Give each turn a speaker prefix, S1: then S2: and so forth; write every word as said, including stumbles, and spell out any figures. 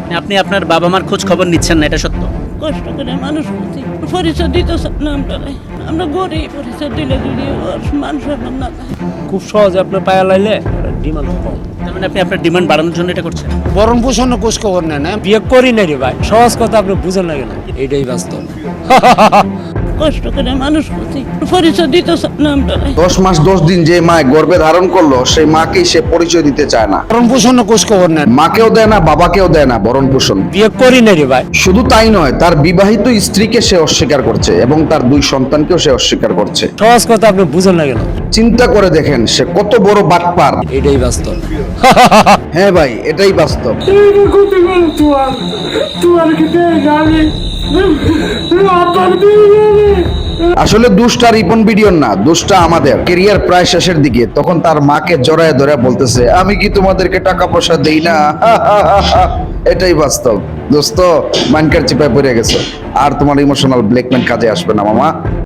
S1: আপনি আপনার বাবা মার খোঁজ খবর নিচ্ছেন না, এটা সত্য?
S2: কষ্ট করে মানুষ করছি, পরিচয় দিতে না আমরা আমরা গরিব, পরিচয় দিলে যদি ওর মান সম্মান না থাকে।
S3: খুব সহজে আপনার পায়া লাইলে ডিমান্ড কম।
S1: তার মানে আপনি আপনার ডিমান্ড বাড়ানোর জন্য এটা করছেন?
S3: বরণ পোষণ কোষ খবর নেন না, বিয়ে করি না রে ভাই, সহজ কথা আপনি বুঝেন না কেন, এটাই বাস্তব।
S2: কষ্ট করে মানুষ করছি, পরিচয় দিতে না আমরা।
S4: দশ মাস দশ দিন যে মা গর্ভে ধারণ করলো সেই মাকেই সে পরিচয় দিতে চায় না,
S3: বরণ পোষণ কোষ খবর নেন,
S4: মাকেও দেয় না, বাবাকেও দেয় না ভরণ পোষণ।
S3: বিয়ে করি না রে ভাই।
S4: শুধু তাই নয়, তার বিবাহিত স্ত্রীকে সে অস্বীকার করছে এবং তার দুই সন্তানকেও সে অস্বীকার করছে।
S3: সহজ কথা আপনি বুঝেন না কেন,
S4: চিন্তা করে দেখেন সে কত বড় বাটপার।
S3: এটাই বাস্তব।
S4: হ্যাঁ ভাই, এটাই বাস্তব। আসলে দুষ্টা রিপন ভিডিওর না, দুষ্টা আমাদের। কেরিয়ার প্রায় শেষের দিকে, তখন তার মাকে জড়ায় ধরে বলতেছে, আমি কি তোমাদেরকে টাকা পয়সা দেই না? এটাই বাস্তব দোস্ত। মাইনকার চিপায় পড়ে গেছো, আর তোমার ইমোশনাল ব্ল্যাকমেল কাজে আসবে না মামা।